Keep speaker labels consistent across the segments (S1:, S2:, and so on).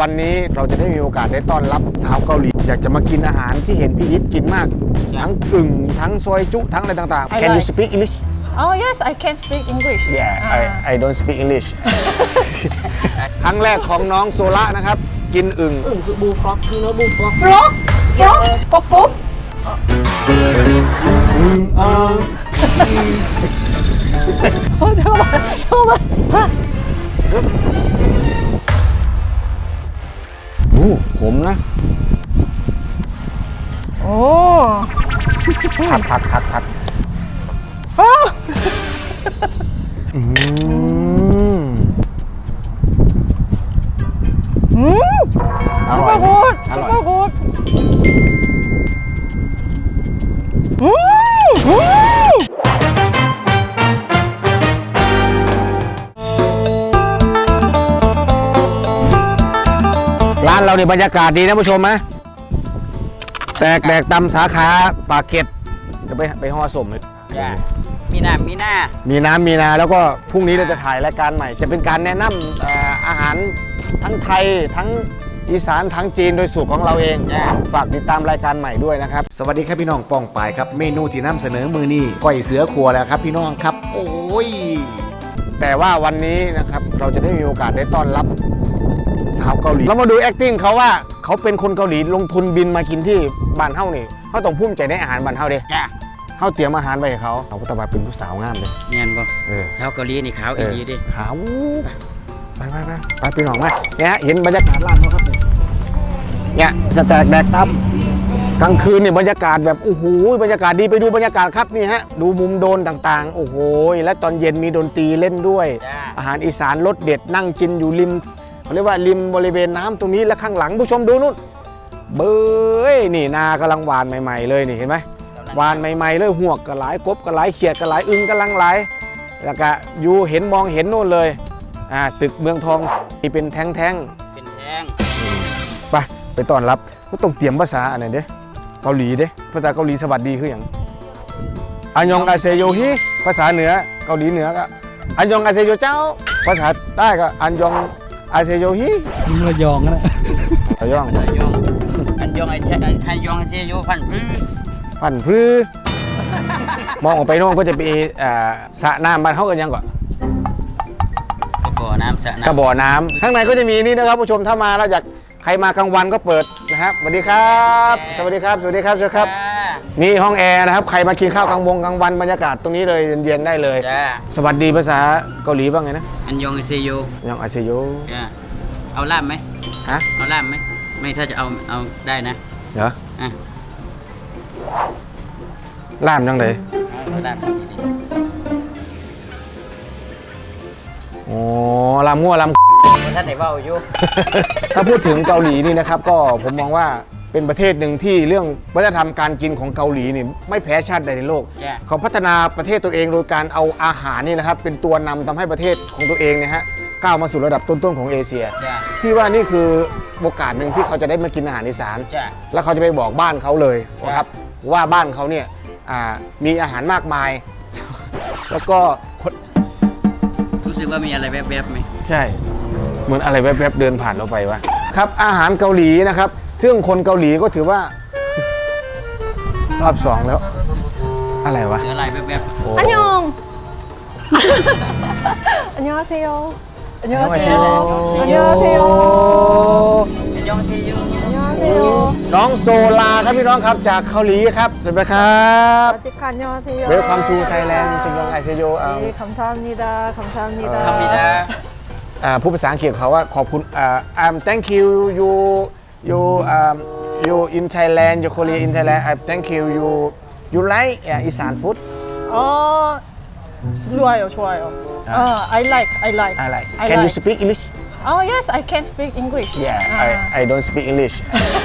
S1: วันนี้เราจะได้มีโอกาสได้ต้อนรับสาวเกาหลีอยากจะมากินอาหารที่เห็นพี่ยิปกินมากทั้งกึ่งทั้งซอยจุทั้งอะไรต่างๆ Can you speak English
S2: Oh yes, I can speak English.
S1: Yeah I don't speak English ครั้งแรกของน้องโซล่านะครับกินอึ่ง
S3: คือบูฟล็อกคือเนื้อบูฟล็อก
S2: Frog, frog, pop pop. โอ้ชอบมากชอบมาก
S1: โอ้ผมนะ
S2: โอ้
S1: ผัด
S2: super good, super good.
S1: ร้านเราเนี่ยบรรยากาศดีนะผู้ชมไหมแตกตำสาขาปากเกร็ดจะไปห่อสมเลย
S3: มีน้ำมีนา
S1: แล้วก็พรุ่งนี้เราจะถ่ายรายการใหม่ จะเป็นการแนะนำอาหารทั้งไทยทั้งอีสานทั้งจีนโดยสูตรของเราเองฝากติดตามรายการใหม่ด้วยนะครับสวัสดีครับพี่น้องป้องปายครับเมนูที่นำเสนอมือนี้ก้อยเสือครัวแล้วครับพี่น้องครับโอ้ยแต่ว่าวันนี้นะครับเราจะได้มีโอกาสได้ต้อนรับสาวเกาหลีเรามาดู acting เขาว่าเขาเป็นคนเกาหลีลงทุนบินมากินที่บ้านเฮ้านี่เขาต้องภูมิใจในอาหารบ้านเฮ้าเด้เขาเตรียมอาหารไว้ให้เขาก็ต้องมาเป็นผู้สาวงามเลย
S3: เงียนบ่ชาวเกาหลีนี่ขาวอีดิ
S1: ขาวไปพี่น้องมาเนี่ยเห็นบรรยากาศร้านเขาครับเนี่ยสแต็กแดกตั้มกลางคืนเนี่ยบรรยากาศแบบโอ้โหบรรยากาศดีไปดูบรรยากาศครับนี่ฮะดูมุมโดนต่างๆโอ้โหและตอนเย็นมีดนตรีเล่นด้วยอาหารอีสานรสเด็ดนั่งกินอยู่ริมเขาเรียกว่าริมบริเวณน้ำตรงนี้และข้างหลังผู้ชมดูนู่นเบ้ยนี่นากำลังหวานใหม่ๆเลยนี่เห็นไหมหวานใหม่ๆเลยหวกก็หลายกบก็หลายเขียดก็หลายอึ่งกำลังหลายแล้วก็อยู่เห็นมองเห็นนู่นเลยตึกเมืองทองที่เป็นแท่งไปต้อนรับก็ต้องเตรียมภาษาอันไหนเด้เกาหลีเด้ภาษาเกาหลีสวัสดีคืออย่างอันยองอาเซโยฮิภาษาเหนือเกาหลีเหนือก็อันยองอาเซโยเจ้าภาษาใต้ก็อันยองอาเซโยฮิ
S3: ระยองนะ
S1: ระยอง
S3: อันยองเซโยพันพรื้
S1: มองออกไปโน่นก็จะเป็นสระน้ำบ้านเขากันยังก่อน
S3: กระบอกน้ำสระน้ำ
S1: กระบอกน้ำข้างในก็จะมีนี่นะครับผู้ชมถ้ามาแล้วอยากใครมากลางวันก็เปิดนะครับสวัสดีครับสวัสดีครับสวัสดีครับนี่ห้องแอร์นะครับใครมากินข้าวกลางวันบรรยากาศตรงนี้เลยเย็นๆได้เลยสวัสดีภาษาเกาหลีว่าไงนะ
S3: อันยองเซโย
S1: อาเซโย
S3: เอาล่ามไหม
S1: ฮะ
S3: เอาล่ามไหมไม่ถ้าจะเอาได้นะ
S1: เหรอล่ามยังไงโอ้ลำมั่วลำ
S3: ท่านไหนว่าอยู่
S1: ถ้าพูดถึงเกาหลีนี่นะครับก็ผมมองว่าเป็นประเทศหนึ่งที่เรื่องวัฒนธรรมการกินของเกาหลีนี่ไม่แพ้ชาติใดในโลก เขาพัฒนาประเทศตัวเองโดยการเอาอาหารนี่นะครับเป็นตัวนำทำให้ประเทศของตัวเองเนี่ยฮะก้าวมาสู่ระดับต้นๆของเอเชียพี่ว่านี่คือโอกาสหนึ่งที่เขาจะได้มากินอาหารอีสานแล้วเขาจะไปบอกบ้านเขาเลยนะครับว่าบ้านเขาเนี่ยมีอาหารมากมายแล้วก็
S3: รู้สึกว่ามีอะไรแวบๆไหม
S1: ใช่เหมือนอะไรแวบๆเดินผ่านเราไปวะครับอาหารเกาหลีนะครับซึ่งคนเกาหลีก็ถือว่ารอบ2แล้วอะไรวะ
S3: อะไรแวบ
S2: ๆอันยองอันยองเซโยอันยองเซโยอันยองเซโย
S1: น้องโซลาครับพี่น้องครับจากเกาหลีครับสวัสดีครับ
S2: สวัสดีค่ะอันยองเซโย
S1: Welcome to Thailand ชมยองไอเซโย
S2: 감사합니다 감사합니다
S1: ผู้ภาษาอังกฤษเขาว่าขอบคุณthank you you in Thailand you Korea in Thailand thank you you like Isan food
S2: 좋아요 I like
S1: Can you speak English
S2: Oh yes I can speak English
S1: Yeah I don't speak English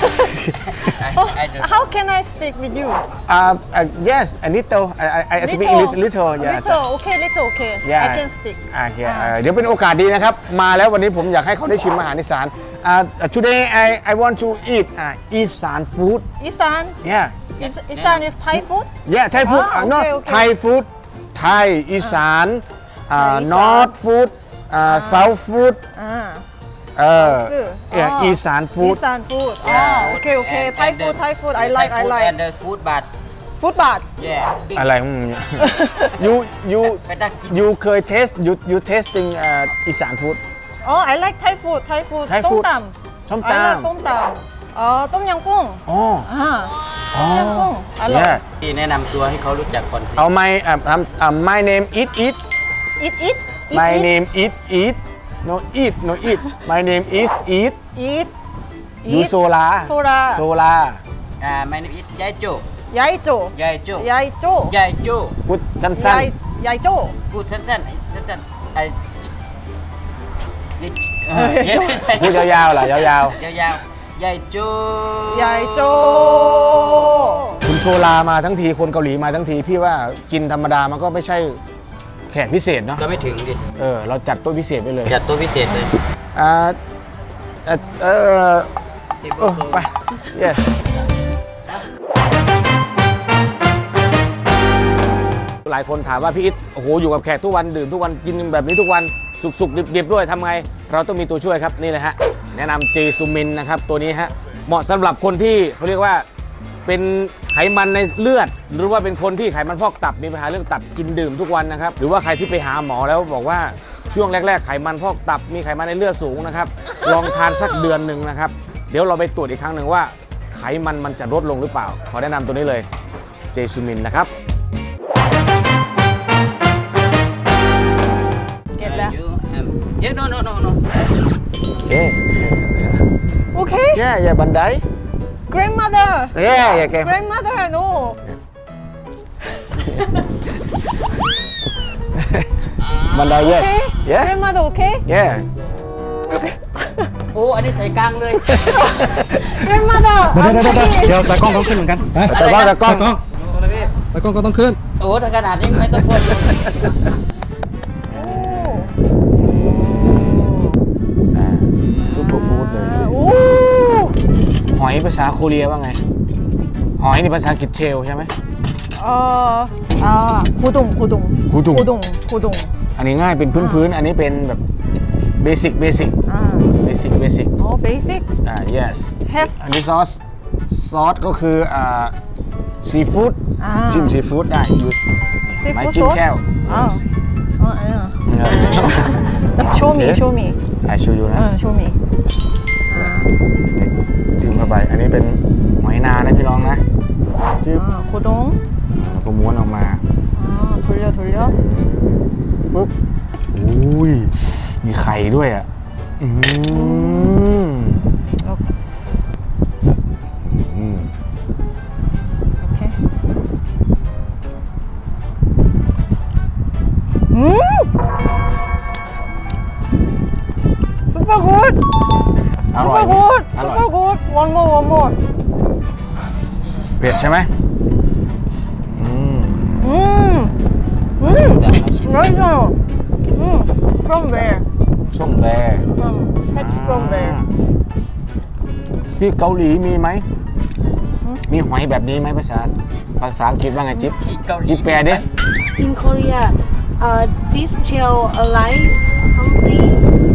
S2: How can I speak with you
S1: Yes a little I speak English little
S2: yes little okay I can speak
S1: เดี๋ยวเป็นโอกาสดีนะครับมาแล้ววันนี้ผมอยากให้เขาได้ชิมอาหารอีสานToday I want to eat Isan food
S2: Isan
S1: Yeah
S2: Isan is Thai food
S1: Yeah Thai food not Thai food Thai อีสานNorth food South food อีสานฟู้ด
S2: Eastern food. Okay, okay. Thai food, Thai food. I like, I
S3: and
S2: like.
S3: the food but
S2: Food bath.
S3: yeah big
S1: อะไรyou
S3: ไปตักกิน
S1: you เคย taste you tasting อีสานฟู้ด
S2: Oh, I like Thai food, Thai food.
S1: Thai food.
S2: ส้ม
S1: ส้ม
S2: ตำ I like
S1: ตำ
S2: ส้มตำต้มยำกุ้ง
S1: อ๋อ
S2: ต้มยำกุ้งอร่อย
S1: yeah
S3: ที่แนะนำตัวให้เขารู้จักก่อนสิ
S1: เอา my name eat
S2: eat
S1: my name eat no eat my name is eat
S2: eat
S1: ยูโซลา
S2: โซลา
S1: โซลา
S3: my name is ยายโจ
S2: ยายโจ
S3: ยายโจ
S2: ยายโจ
S3: ยายโจ
S1: พูดสั้น
S2: ยายโจ
S3: พูดสั้นๆสั้นๆไอ้ย
S1: ๆพูดยาวๆล่ะยาว
S3: ยาวๆยายโจ
S2: ยายโจ
S1: ๆคุณโซลามาทั้งทีคนเกาหลีมาทั้งทีพี่ว่ากินธรรมดามันก็ไม่ใช่แขกพิเศษเนาะ
S3: ก็ไม่ถึงดิ
S1: เราจัดโต๊ะพิเศษไปเลย
S3: จัดตัวพิเศษเลย
S1: ไป yes หลายคนถามว่าพี่อิทโอ้โหอยู่กับแขกทุกวันดื่มทุกวันกินแบบนี้ทุกวันสุกๆดิบๆด้วยทำไงเราต้องมีตัวช่วยครับนี่เลยฮะแนะนำเจซูมินนะครับตัวนี้ฮะเหมาะสำหรับคนที่เขาเรียกว่าเป็นไขมันในเลือด หรือว่าเป็นคนที่ไขมันพอกตับมีปัญหาเรื่องตับกินดื่มทุกวันนะครับหรือว่าใครที่ไปหาหมอแล้วบอกว่าช่วงแรกๆไขมันพอกตับมีไขมันในเลือดสูงนะครับลองทานสักเดือนหนึ่งนะครับเดี๋ยวเราไปตรวจอีกครั้งหนึ่งว่าไขมันจะลดลงหรือเปล่าขอแนะนำตัวนี้เลยเจซูมินนะครับ
S2: เก็บแล้ว
S3: Yeah no
S2: Okay
S1: yeah บันได
S2: grandmother
S1: yeah แก
S2: grandmother no
S1: บันได yes
S2: okay
S1: yeah
S2: grandmother okay
S1: yeah
S3: โอ้อันนี้ใส่กลางเลย
S2: grandmother
S4: เดี๋ยวตากล้องต้องขึ้นเหมือนกัน
S1: แต่ว่าแต่กล้อง
S4: ตากล้องก็ต้องขึ้น
S3: โอ้ถ้าขนาดนี้ไม่ต้องกลัว
S1: ซุปเปอร์ฟู้ดเลย
S2: โอ้
S1: หอยภาษาโคเรียว่าไง หอยนี่ภาษาอังกฤษเชลใช่ไหม
S2: 고동
S1: กูดุง
S2: 고동
S1: อันนี้ง่ายเป็นพื้นๆ อันนี้เป็นแบบเบสิก
S2: basic
S1: yes
S2: have
S1: อันนี้ซอสก็คือซีฟู้ดจิ้มซีฟู้ดได้อยู่ ไม้
S2: seafood
S1: จิ้ม
S2: sauce
S1: แก้ว
S2: 아니야 show me show me
S1: ชูยูนะ
S2: show me
S1: จิ้มเข้าไป อันนี้เป็นหอยนานะพี่น้องนะจิ้ม
S2: 고동
S1: แล้วก็ม้วนออกมา
S2: 돌려
S1: ฟึบอุ้ย มีไข่ด้วยอ่ะ
S2: 오케이 super good
S1: อร่อย
S2: super
S1: ไหม
S2: good
S1: อร่อย
S2: super good one more
S1: เผ็ดใช่ไหม
S2: 맛있어요 from where
S1: ส้มแบร์
S2: catch from where
S1: ที่เกาหลีมีไหม มีหอยแบบนี้ไหมภาษาอังกฤษว่าไงจิ๊บ
S3: ที่เกาหลี
S1: จิ๊บแปลดิ
S5: In Korea, this shell alive something.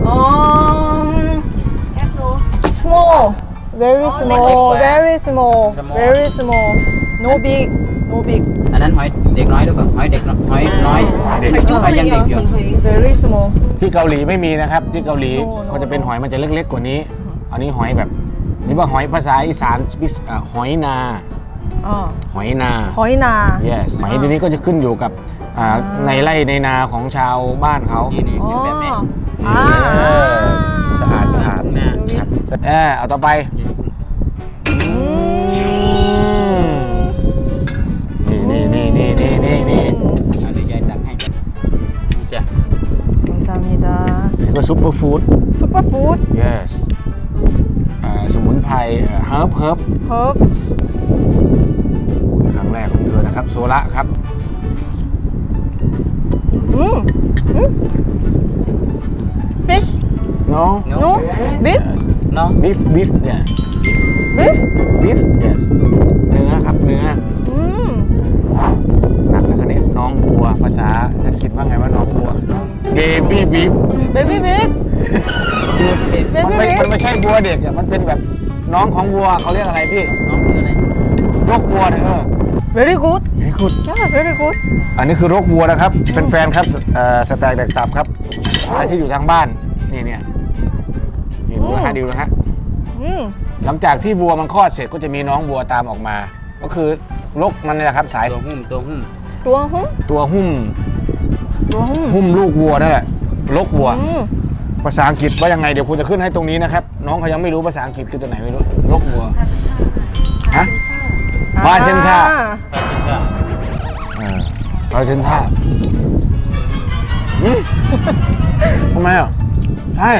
S5: Yes, no.
S2: small very small
S3: Small.
S2: very small no big
S3: อันนั้นหอยเด็กน้อยหรือเปล่าหอยเด็กน้อยหอยน้อย
S1: เด็ก
S3: หอยยังเด็กอยู่
S2: very small
S1: ที่เกาหลีไม่มีนะครับ ที่เกาหลี
S2: โน่
S1: เขาจะเป็นหอยมันจะเล็กๆกว่านี้ อันนี้หอยแบบนี่ว่าหอยภาษาอีสานหอยนา หอยนา
S2: 거의나
S1: yes หอยทีนี้ก็จะขึ้นอยู่กับในไร่ในนาของชาวบ้านเขา
S3: นี่เป็นแบบนี้
S1: สะอาด
S3: นะ
S1: ครับเอาต่อไปนี่
S3: เอาเดี๋ยวยายตักให้จ้ะนี่จ้ะ
S2: 감사합니다
S1: นี่ก็ซุปเปอร์ฟู้ด
S2: superfood
S1: yes สมุนไพรเฮิร์บ
S2: herbs
S1: ครั้งแรกของเธอนะครับโซละครับ
S2: fish
S1: no
S2: no beef
S3: No
S1: beef yeah
S2: beef
S1: yes เนื้อครับเนื้อหนักแล้วคันนี้น้องบัวภาษาอังกฤษว่าไงว่าน้องบัว baby beef
S2: baby beef
S1: คือมันไม่ใช่วัวเด็กอ่ะมันเป็นแบบน้องของวัวเขาเรียกอะไรพี่
S3: น้องคืออะไร
S1: รกวัวเนี่ย
S2: very good
S1: เฮ้ยคุณ
S2: yeah very good
S1: อันนี้คือรกวัวนะครับเป็นแฟนครับสแต็กแดกตับครับใครที่อยู่ทางบ้านเนี่ยดูนะฮะดูนะฮะ
S2: อืม
S1: หลังจากที่วัวมันคลอดเสร็จก็จะมีน้องวัวตามออกมา ก็คือรกมันนี่แหละครับสาย
S3: ตัวหุ้ม
S2: ตัวหุ้ม
S1: ตัวหุ้ม
S2: ตัวหุ้ม
S1: หุ้มลูกวัวนั่นแหละรกวัว
S2: อืม
S1: ภาษาอังกฤษว่ายังไงเดี๋ยวคุณจะขึ้นให้ตรงนี้นะครับน้องเขายังไม่รู้ภาษาอังกฤษคือตัวไหนไม่รู้รกวัวฮะ ปลาเซนท่า ปลาเซนท่าทำไมอ่ะใช่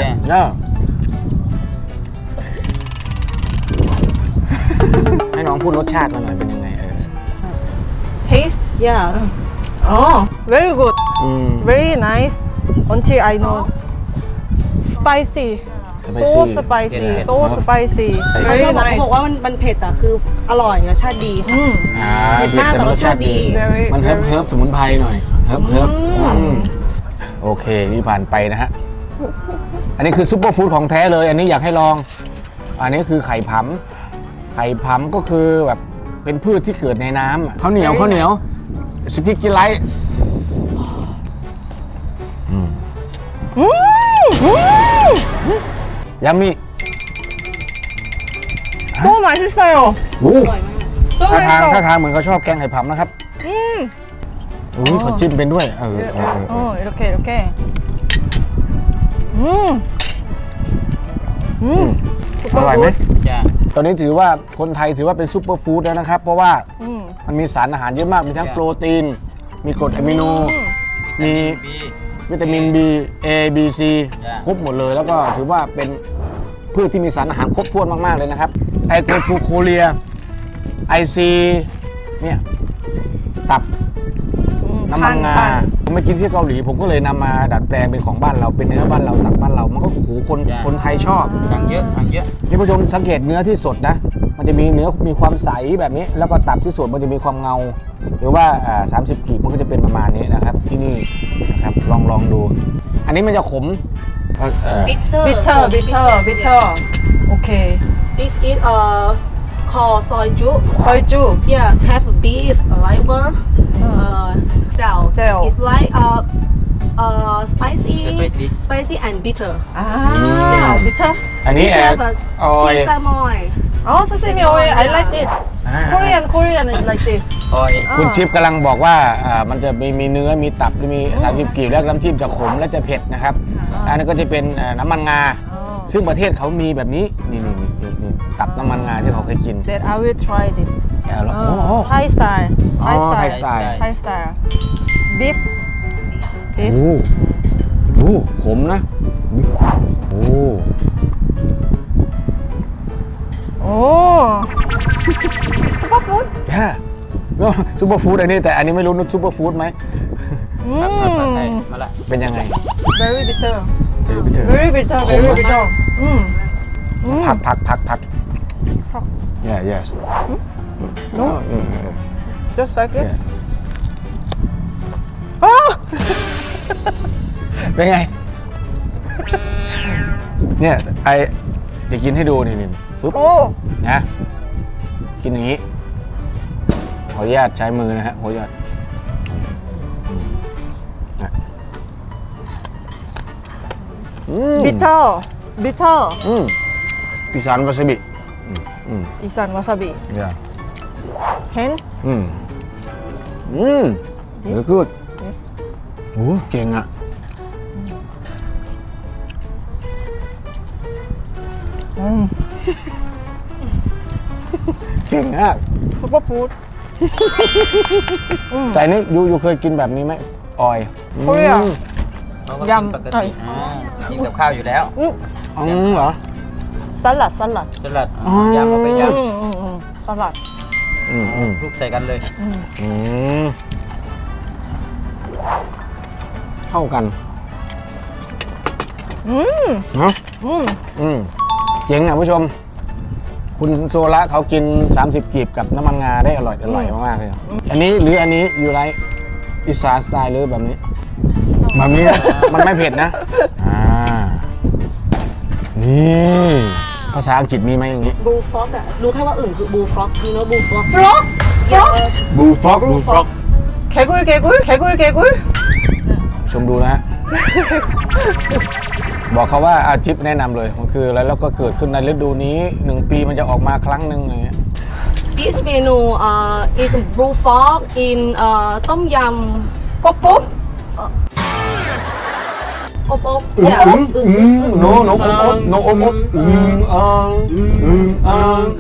S1: ให้น้องพูดรสชาติมาหน่อยเป็นยังไง
S2: taste
S5: Yeah.
S2: oh very good
S1: อืม
S2: very nice until I know spicy so spicy so spicy
S5: เขาช
S2: very
S5: อบบอก
S2: nice
S5: บอกว่ามันเผ็ดอ่ะคืออร่อยรสชาติดี
S2: อืม
S5: เผ็ดมากแต่รสชาติดี
S2: very
S1: มันเฮิร์บสมุนไพรหน่อยเฮิร์บโอเคนี่ผ่านไปนะฮะอันนี้คือซุปเปอร์ฟู้ดของแท้เลยอันนี้อยากให้ลองอันนี้คือไข่ผำก็คือแบบเป็นพืชที่เกิดในน้ำข้าวเหนียวสกิกกิไลท์ยามิ
S2: so 맛있어요
S1: โอ้
S2: so
S1: ท่าทาง
S2: 맛있어
S1: เหมือนเขาชอบแกงไข่ผำนะครับอุ้ยเขาจิ้มเป็นด้วย
S2: 이렇게
S1: อร่อยไหม
S3: จ้า
S1: ตอนนี้ถือว่าคนไทยถือว่าเป็นซุปเปอร์ฟู้ดแล้วนะครับเพราะว่ามันมีสารอาหารเยอะมากมีทั้งโปรตีนมีกรดอะมิโนมี
S3: บี
S1: วิตามิน B A B C ครบหมดเลยแล้วก็ถือว่าเป็นพืชที่มีสารอาหารครบถ้วนมากๆเลยนะครับไอโกทูโคเรียไอซีเนี่ยตับน้ำมันงาผมไปกินที่เกาหลีผมก็เลยนำมาดัดแปลงเป็นของบ้านเราเป็นเนื้อบ้านเราตับบ้านเรามันก็โอ้โหคนไทยชอบ
S3: สั่งเยอะ
S1: นี่ผู้ชมสังเกตเนื้อที่สดนะมันจะมีเนื้อมีความใสแบบนี้แล้วก็ตับที่สดมันจะมีความเงาหรือว่า30 ขีดมันก็จะเป็นประมาณนี้นะครับที่นี่นะครับลองดู อันนี้มันจะขม
S5: bitter
S2: okay
S5: this is called soju
S2: soju
S5: yes have beef liver เจ้า it's like spicy and bitter
S2: bitter
S1: อันนี้
S5: sesame oil
S2: oh sesame oil I like this Korean is like this
S3: ออย
S1: คุณชิปกำลังบอกว่ามันจะมีเนื้อมีตับมี30 กีบแล้วน้ำจิ้มจะขมและจะเผ็ดนะครับอันนี้ก็จะเป็นน้ำมันงาซึ่งประเทศเขามีแบบนี้นี่ตับน้ำมันงาที่เขาเคยกิน
S2: that I will try this
S1: โอ้
S2: Thai style
S1: Thai style
S2: Thai style beef
S1: โอ้ขมนะโอ้
S2: super food
S1: ซุปเปอร์ฟู้ดอันนี้แต่อันนี้ไม่รู้นุชซุปเปอร์ฟู้ดไหม
S3: มาละ
S1: เป็นยังไง
S2: very bitter
S1: very bitter
S2: very bitter
S1: ผัก yes
S2: no just like it
S1: เป็นไง เนี่ยไอจะกินให้ดูนี่ฟึบ
S2: โอ้
S1: นะกินอย่างนี้ขออนุญาตใช้มือนะฮะขออนุญาต
S2: bitter
S1: อีสานวาซาบิ
S2: อีสานวาซาบิ เห็น
S1: very good
S2: yes
S1: โอ้เก่งอ่ะเก่งอ่ะ
S2: super food
S1: แต่นี่ยูเคยกินแบบนี้ไหมออย
S2: Korea
S3: ยำปกติกินกับข้าวอยู่แล้ว
S1: เหรอ
S2: สลัด
S3: สลัดยำเอาไปย
S2: สลัด
S3: ำคลุกใส่กันเลย
S1: เข้ากันเนาะเจ๋งอ่ะผู้ชม คุณโซละเขากิน30 กีบกับน้ำมันงาได้อร่อยมากๆเลยอันนี้หรืออันนี้อยู่ไรอีสานสไตล์หรือแบบนี้ มันไม่เผ็ดนะนี่ภาษาอังกฤษมีไหมอย่างนี้
S5: bullfrog อะรู้แค่ว่าอึ่งคือ bullfrog you know bullfrog frog
S2: frog
S1: bullfrog bullfrog
S2: 개굴 개굴 개굴 개굴
S1: ชมดูนะฮะ บอกเขาว่าอาจิ๊บแนะนำเลยมันคืออะไรแล้วก็เกิดขึ้นในฤดูนี้1 ปีมันจะออกมาครั้งหนึ่งอะไรเงี้ย
S5: this menu is bullfrog in ต้มยำ
S2: 꼭꼭
S5: อบ
S1: อึ้ง
S5: yeah
S1: อึ้งอึ้งโนโนอบอบโนอบอบอึ้งอ่างอึ้งอ่าง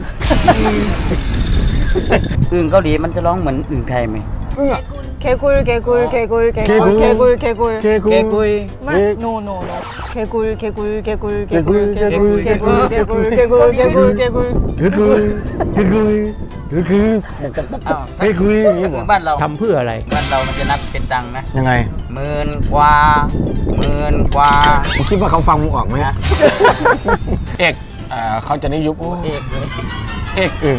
S3: อึ่งเกาหลีมันจะร้องเหมือนอึ่งไทยไหม
S1: อึ้งอ่ะ
S2: 개굴 개굴 개굴 개굴
S1: 개굴.
S2: 개굴 개굴
S1: เคกุ
S3: เกกุย
S2: 마 no no no 개굴 개굴 개굴
S1: 개굴,
S2: 개굴 개굴
S1: 개굴,
S2: 개굴 개굴 개굴 개굴 개굴
S1: เคกุเคกุเคกุ
S3: อ้าว
S1: เคกุอย่างนี้บ
S3: คือ
S1: อก
S3: บ้านเรา
S6: ทำเพื่ออะไร
S3: บ้านเรามันจะนับเป็นตังค์นะ
S1: ยังไง
S3: 10,000 กว่า10,000 กว่า
S1: มึงคิดว่าเขาฟังมึงออกไหมเอกเขาจะนิยุบ
S3: เอกเลย
S1: เอกอึ่ง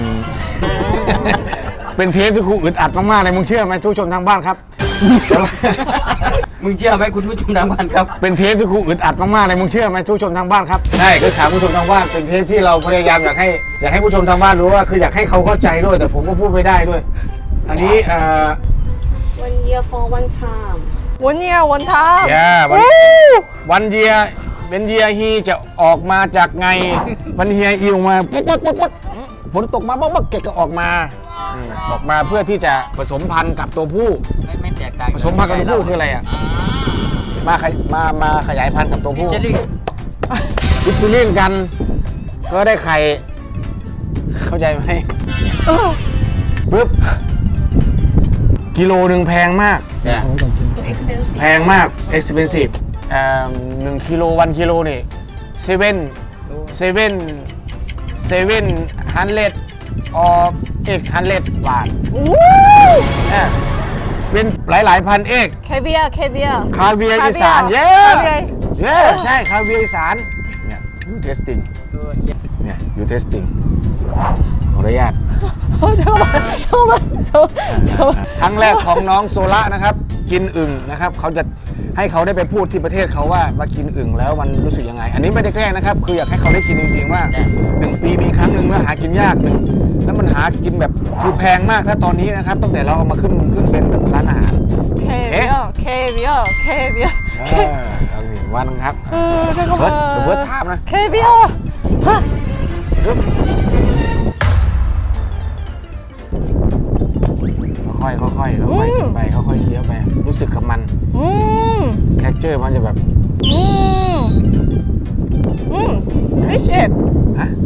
S1: เป็นเทปที่ครูอึดอัดมากๆเลยมึงเชื่อไหมทุกชมทางบ้านครับ
S3: มึงเชื่อไหมคุณผู้ชมทางบ้านครับ
S1: เป็นเทปที่ครูอึดอัดมากๆเลยมึงเชื่อไหมทุกชมทางบ้านครับใช่คือถามผู้ชมทางบ้านเป็นเทปที่เราพยายามอยากให้ผู้ชมทางบ้านรู้ว่าคืออยากให้เขาเข้าใจด้วยแต่ผมก็พูดไม่ได้ด้วย อันนี้
S5: one year for one time
S2: 원이야 원탑
S1: วันเยียเป็นเยียฮีจะออกมาจากไงวันเฮียอีออกมาปุ๊บฝนตกมาบ้างเกะก็ออกมาออกมาเพื่อที่จะผสมพันธุ์กับตัวผู้
S3: ไม่แตกต่าง
S1: ผสมพันธุ์กับตัวผู้คืออะไรอ่ะมาขยายพันธุ์กับตัวผู้
S3: เจลลี่
S1: วิชิลิ่งกัน ก็ได้ไข่ เข้าใจไหมปุ๊บกิโลหนึ่งแพงมาก
S5: so expensive
S1: แพงมาก expensive 1 กิโล1 กิโลนี่700 or 800 บาทเป็นหลายพันเอก
S2: 캐비아 캐비아
S1: คาเวียร์อีสานเย้
S2: 캐비아
S1: ใช่คาเวียร์อีสานเนี่ยยูเทสติ้งเนี่ยยูเทสติ้งขออนุญาต
S2: 잠깐만
S1: ครั้งแรกของน้องโซล่านะครับ กินอึ่งนะครับเขาจะให้เขาได้ไปพูดที่ประเทศเขาว่ามากินอึ่งแล้วมันรู้สึกยังไง อันนี้ไม่ได้แกล้งนะครับคืออยากให้เขาได้กินจริงๆว่า1 ปีมีครั้งหนึ่งแล้วหากินยากหนึ่งแล้วมันหากินแบบคือแพงมากถ้าตอนนี้นะครับตั้งแต่เราเอามาขึ้นเป็นแบบร้านอาหาร
S2: 캐비아 캐비아
S1: เอาเห็นวันครับ
S2: 잠깐만
S1: first time นะ
S2: 캐비아
S1: ค่อยๆไปค่อยๆเคี้ยวไปรู้สึกกับมันแคคเจอร์มันจะแบบ
S2: fish egg
S1: ฮะ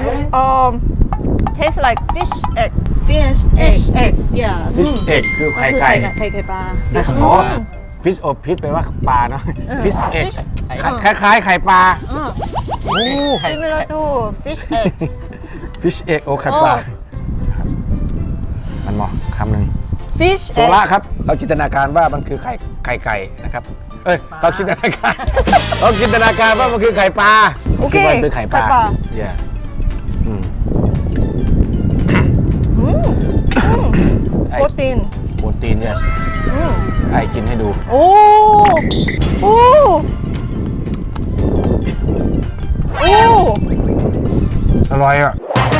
S2: taste like fish egg
S5: fish
S2: fish egg
S5: yeah
S1: fish egg คือไข่ไก่
S5: ไข่ปลา
S1: อ๋อ fish of fish แปลว่าปลาเนาะ fish egg คล้ายๆไข่ปลาโอ้
S2: similar to fish egg
S1: fish egg โอ้ไข่ปลาครับมันเหมาะคำหนึ่ง
S2: fish
S1: โซล่าครับเขาจินตนาการว่ามันคือไข่ไก่นะครับเขาจินตนาการว่ามันคือไข่ปลา
S2: โอเค
S1: ดว่าเป็นไข่ปลา
S2: ไข่ปลา
S1: yeah
S2: โปรตีน
S1: โปรตีน yes ไอ้กินให้ดู
S2: โอ้โอ้โอ้
S1: อร่อยอ่ะ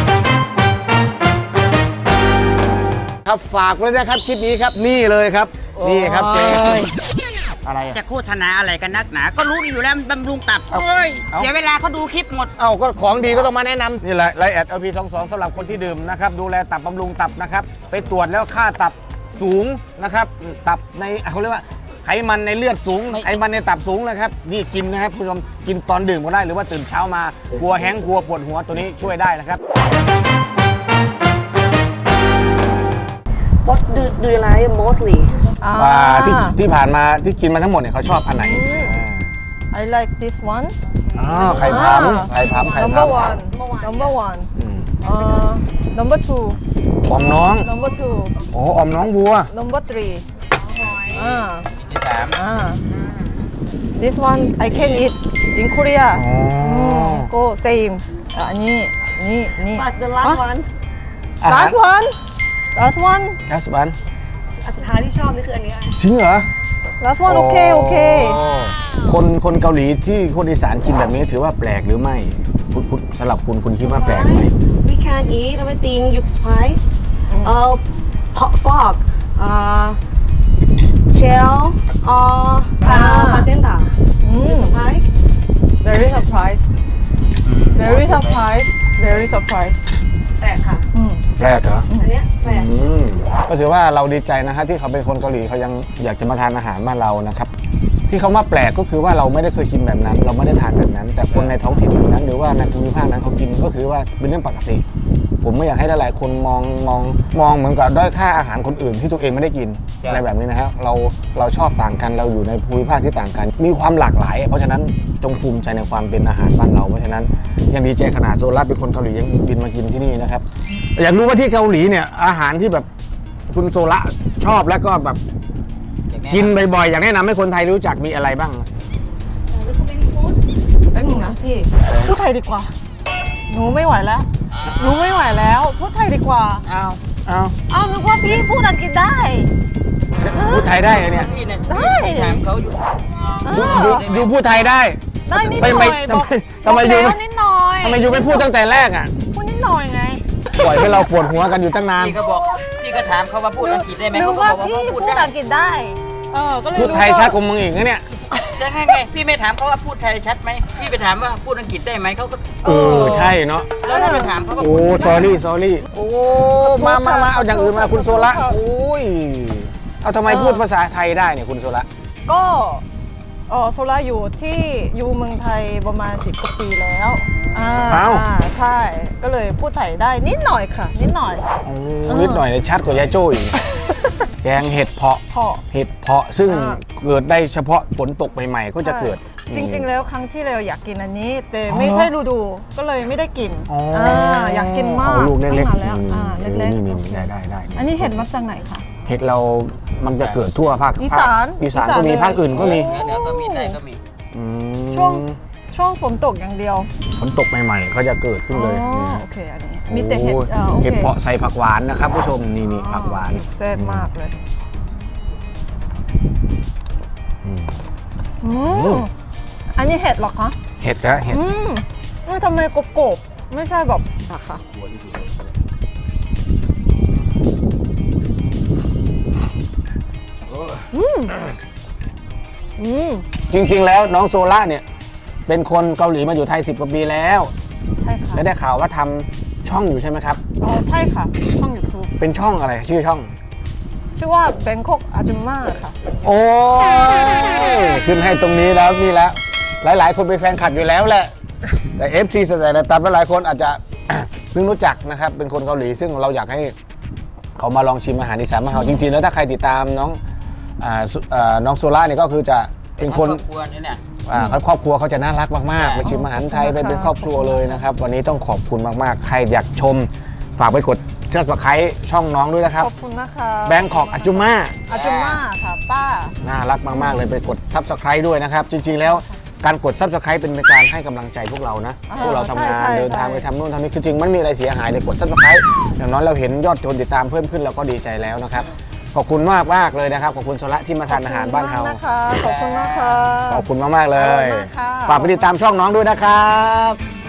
S1: ครับฝากไว้นะครับคลิปนี้ครับนี่เลยครับนี่ครับเจ๊อะไรอ่ะ
S3: จะโฆษณาอะไรกันนักหนา ก็รู้อยู่แล้วมันบำรุงตับเฮ้ย เสียเวลาเขาดูคลิปหมด
S1: เอ้าก็ของดีก็ต้องมาแนะนำนี่แหละไลแอด LP22 สำหรับคนที่ดื่มนะครับดูแลตับบำรุงตับนะครับไปตรวจแล้วค่าตับสูงนะครับตับในเขาเรียกว่าไขมันในเลือดสูงไขมันในตับสูงนะครับนี่กินนะครับผู้ชมกินตอนดื่มก็ได้หรือว่าตื่นเช้ามากลัวแห้งกลัวปวดหัวตัวนี้ช่วยได้นะครับ
S5: what do you like mostly
S1: ที่ผ่านมาที่กินมาทั้งหมดเนี่ยเขาชอบอันไหน
S2: I like this one
S1: ไข่พำ
S2: number one number one number two
S1: อมน้อง
S2: number two
S1: โอ้อมน้องวัว
S2: number three
S3: ที่สาม
S2: this one I can eat in Korea
S1: อ๋อ
S2: go same อันนี้
S5: but the last one
S2: last one last one
S1: แอสบัน
S5: อันสุดท้ายที่ชอบนี่คืออันนี้
S1: จริงเหรอ
S2: last one โอเค
S1: โอ้คนเกาหลีที่คนอีสานกินแบบนี้ถือว่าแปลกหรือไม่คุณสำหรับคุณคิดว่าแปลกไหม
S5: We can eat everything you spice. Pork, gel, placenta. You spice.
S2: very surprise very surprise very surprise
S5: แปลกค่ะ
S1: แปลกเหรอ
S5: อันเนี้ยแปลก
S1: ก็ถือว่าเราดีใจนะฮะที่เขาเป็นคนเกาหลีเขายังอยากจะมาทานอาหารบ้านเรานะครับที่เขามาแปลกก็คือว่าเราไม่ได้เคยกินแบบนั้น เราไม่ได้ทานแบบนั้น แต่คนในท้องถิ่นแบบนั้น หรือว่าในภูมิภาคนั้นเขากินก็คือว่าเป็นเรื่องปกติ ผมไม่อยากให้หลายๆคนมองเหมือนกับด้อยค่าอาหารคนอื่นที่ตัวเองไม่ได้กินอะไรแบบนี้นะฮะเราชอบต่างกันเราอยู่ในภูมิภาคที่ต่างกัน มีความหลากหลาย เพราะฉะนั้นจงภูมิใจในความเป็นอาหารบ้านเราเพราะฉะนั้นยังดีใจขนาดโซล่าเป็นคนเกาหลียังบินมากินที่นี่นะครับอยากรู้ว่าที่เกาหลีเนี่ยอาหารที่แบบคุณโซล่าชอบแล้วก็แบบกินบ่อยๆอยากแนะนำให้คนไทยรู้จักมีอะไรบ้าง
S2: แป๊บนึงนะพี่พูดไทยดีกว่าหนูไม่ไหวแล้วหนูไม่ไหวแล้วพูดไทยดีกว่า
S3: เอา
S2: เอานึกว่าพี่พูดอังกฤษได้
S1: พูดไทยได้เหรอเนี่ย
S3: พี่เนี่ย
S2: ได้
S3: พี่ถามเขาอยู่
S1: อยู่พูดไทยได้
S2: ได้นิดห
S1: ไม่
S2: น่อย
S1: ทำไมอยู่
S2: บอกแล้วนิดหน่อย
S1: ทำไมอยู่ไม่พูดตั้งแต่แรกอ่ะ
S2: พูดนิดหน่อยไง
S1: ปล่อยให้เราปวดหัวกันอยู่ตั้งนาน
S3: พี่ก็บอกพี่ก็ถามเขาว่าพูดอังกฤษได้ไหม
S2: นึ
S3: เขา
S2: ก
S3: ก็
S2: ว่า
S3: บอกว่า
S2: พี่
S3: เขาพู
S2: พู
S3: ด
S2: ด
S3: ได้
S2: อังกฤษได้ก็เลย
S1: พูดไทยชัดกว่ามึงอีกนะเนี่ย
S3: จะไงพี่ไม่ถามเขาว่าพูดไทยชัดไหมพี่ไปถามว่าพูดอังกฤษได้ไหมเขาก็
S1: ใช่เนาะ
S3: แล้วถ้าไปถามเขาว่า
S1: โอ้
S3: พูด
S1: sorry โอ้มาเอาอย่างอื่นมาคุณโซละโอ้ยเอาทำไมพูดภาษาไทยได้เนี่ยคุณโซละ
S2: ก็โซล่าอยู่เมืองไทยประมาณ10กว่าปีแล้วใช่ก็เลยพูดไทยได้นิดหน่อยค่ะนิดหน่อย
S1: นิดหน่อยเนี่ยชัดกว่ายายโจ้อีกแกงเห็ดเพาะ เห็ดเพาะซึ่งเกิดได้เฉพาะฝนตกใหม่ๆก็จะเกิด
S2: จริงๆแล้วครั้งที่เราอยากกินอันนี้ แต่ไม่ใช่ฤดูก็เลยไม่ได้กินอยากกินมาก
S1: ลูกเล็ก
S2: ตั้งนานแล้วเล็ก
S1: นี่ได้
S2: ๆอันนี้เห็ดมาจากไหนคะ
S1: เห็ดเรามันจะเกิดทั่วภาค
S2: อีสาน
S1: อีสานก็มีภาคอื่นก็มี
S3: เดี๋ยวก็มีได้ก็มี
S2: ช่วงฝนตกอย่างเดียว
S1: ฝนตกใหม่ๆก็จะเกิดขึ้นเลยนี่ฮะ
S2: โอเคอันนี้มีแต่เห็ด
S1: โอ้เห็ดเพาะใส่ผักหวานนะครับผู้ชมนี่ผักหวาน
S2: แซ่บมากเลยอันนี้เห็ดเหรอคะ
S1: เห็ดนะเห็ด
S2: ทำไมกรอบๆไม่ใช่แบบอะค่ะ
S1: จริงๆแล้วน้องโซล่าเนี่ยเป็นคนเกาหลีมาอยู่ไทย10 กว่าปีแล้ว
S2: ใช่ค่ะ
S1: และได้ข่าวว่าทำช่องอยู่ใช่ไหมครับ
S2: ใช่ค่ะช่อง YouTube
S1: เป็นช่องอะไรชื่อช่อง
S2: ชื่อว่า Bangkok Ajumma ค่ะ
S1: โอ้ยขึ้นให้ตรงนี้แล้วนี่แล้วหลายๆ คนเป็นแฟนคลับอยู่แล้วแหละ แต่ FC สแตนดาร์ดหลายคนอาจจะ เพิ่งรู้จักนะครับเป็นคนเกาหลีซึ่งเราอยากให้เขามาลองชิมอาหารอีสานมานเราจริงๆแล้วถ้าใครติดตามน้องโซล่าเนี่ยก็คือจะเป็นคน
S3: ครอบครัวนี่เนี่ย
S1: ครอบครัวเขาจะน่ารักมากๆไปชิมอาหารไทยไปเป็นครอบครัวเลยนะครับวันนี้ต้องขอบคุณมากๆใครอยากชมฝากไปกดSubscribeช่องน้องด้วยนะครับ
S2: ขอบคุณนะคะ
S1: Bangkok Ajumma
S2: ค่ะป้า
S1: น่ารักมากๆเลยไปกด Subscribe ด้วยนะครับจริงๆแล้วการกด Subscribe เป็นการให้กำลังใจพวกเรานะพวกเราทำงานเดินทางไปทำนู่นทำนี่คือจริงมันมีอะไรเสียหายเลยกด Subscribe อย่างน้อยเราเห็นยอดคนติดตามเพิ่มขึ้นเราก็ดีใจแล้วนะครับขอบคุณมากๆเลยนะครับขอบคุณโซละที่มาทานอาหารบ้านเฮา
S2: ขอบคุณนะคะ
S1: ขอบคุณมากๆเล
S2: อร่อย
S1: ย
S2: มากค่ะ
S1: ฝากไปติดตามช่องน้องด้วยนะครับ